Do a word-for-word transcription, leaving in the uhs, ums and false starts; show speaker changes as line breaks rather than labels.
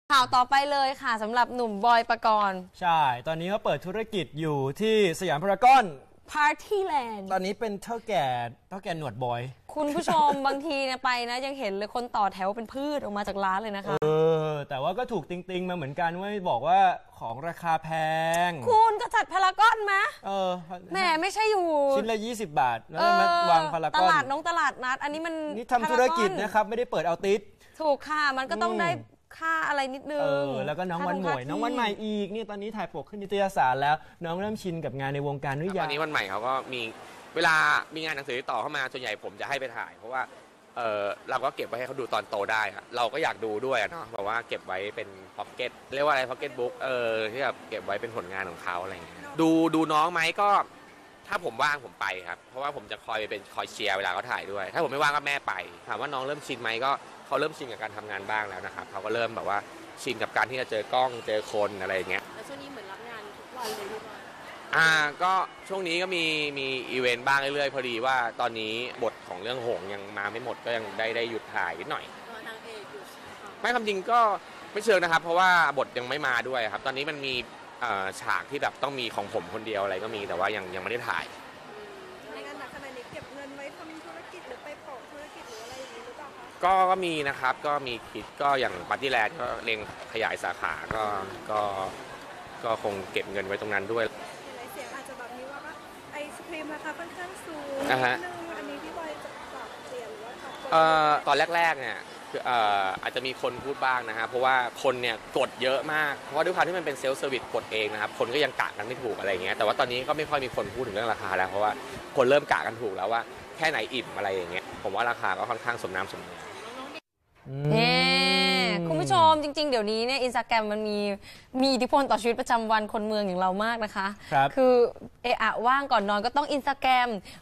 ข่าวต่อไปเลยค่ะสำหรับหนุ่มบอยปกรณ์
ใช่ตอนนี้เขาเปิดธุรกิจอยู่ที่สยามพารากอน
พาร์ตี้แลนด์
ตอนนี้เป็นเท่าแก่เท่าแก่หนวดบอย
คุณผู้ชม บางทีเนี่ยไปนะยังเห็นเลยคนต่อแถวเป็นพืชออกมาจากร้านเลยนะคะ
เออแต่ว่าก็ถูกติงติงมาเหมือนกันว่าบอกว่าของราคาแพง
คุณก็จัดพารากอนไหม
เออ
แหมไม่ใช่อยู่
ชิ้นละยี่สิบบาทแล้วมาวางพารากอน
ตลาดน้องตลาดนัดอันนี้มัน
นี่ทำธุรกิจนะครับไม่ได้เปิดเอาติด
ถูกค่ะมันก็ต้องได้ค่าอะไรนิดนึงเอ
อแล้วก็น้องวันใหม่น้องวันใหม่อีกนี่ตอนนี้ถ่ายปกขึ้นนิตยสารแล้วน้องเริ่มชินกับงานในวงการหรือยัง
ตอนนี้วันใหม่เขาก็มีเวลามีงานหนังสือต่อเข้ามาส่วนใหญ่ผมจะให้ไปถ่ายเพราะว่าเออเราก็เก็บไว้ให้เขาดูตอนโตได้ครับเราก็อยากดูด้วยเนาะแบบว่าเก็บไว้เป็นพ็อกเก็ตเรียกว่าอะไรพ็อกเก็ตบุ๊กเออที่แบบเก็บไว้เป็นผลงานของเขาอะไรอย่างเงี้ยดูดูน้องไหมก็ถ้าผมว่างผมไปครับเพราะว่าผมจะคอยเป็นคอยเชียร์เวลาเขาถ่ายด้วยถ้าผมไม่ว่างก็แม่ไปถามว่าน้องเริ่มชินไหมก็เขาเริ่มชินกับการทำงานบ้างแล้วนะครับเขาก็เริ่มแบบว่าชินกับการที่จะเจอกล้องเจอคนอะไรอย่างเงี้ย
แล้วช่วงนี้เหมือนรับงานทุกวันเลยทุกวัน
อ่าก็ช่วงนี้ก็มีมีอีเวนต์บ้างเรื่อยๆพอดีว่าตอนนี้บทของเรื่องหงยังมาไม่หมดก็ยังได้ได้หยุดถ่ายนิดหน่อย
นางเอกอยู่
ไม่คำจริงก็ไม่เชิงนะครับเพราะว่าบทยังไม่มาด้วยครับตอนนี้มันมีฉากที่แบบต้องมีของผมคนเดียวอะไรก็มีแต่ว่ายังยังไม่ได้ถ่าย
ในงานหนักขนาดนี้เก็บเงินไว้ทำธุรกิจหรือไปโปะธุรกิจหรืออะไรอย่างนี้หรือเปล่าคะ
ก็ก็มีนะครับก็มีคิดก็อย่างปาร์ตี้แลนด์ก็เล็งขยายสาขาก็ก็ก็คงเก็บเงินไว้ตรงนั้นด้วย
เสียงอาจจะแบบนี้ว่าไอศครีมราคาค่อนข้างสูงนิดนึงอันนี้พี่บอยจะปรับเปลี่ยนหรือว่า
เอ่อตอนแรกๆเนี่ยเอ่ออาจจะมีคนพูดบ้างนะฮะเพราะว่าคนเนี่ยกดเยอะมากเพราะว่าด้วยความที่มันเป็นเซลล์เซอร์วิสกดเองนะครับคนก็ยังกะกันไม่ถูกอะไรอย่างเงี้ยแต่ว่าตอนนี้ก็ไม่ค่อยมีคนพูดถึงเรื่องราคาแล้วเพราะว่าคนเริ่มกะกันถูกแล้วว่าแค่ไหนอิ่มอะไรอย่างเงี้ยผมว่าราคาก็ค่อนข้างสมน้ำสมเนื้อ
เฮ้คุณผู้ชมจริงๆเดี๋ยวนี้เนี่ยอินสตาแกรมมันมีมีอิทธิพลต่อชีวิตประจำวันคนเมืองอย่างเรามากนะคะ
ครับ
คือเอะอะว่างก่อนนอนก็ต้องอินสตาแกรม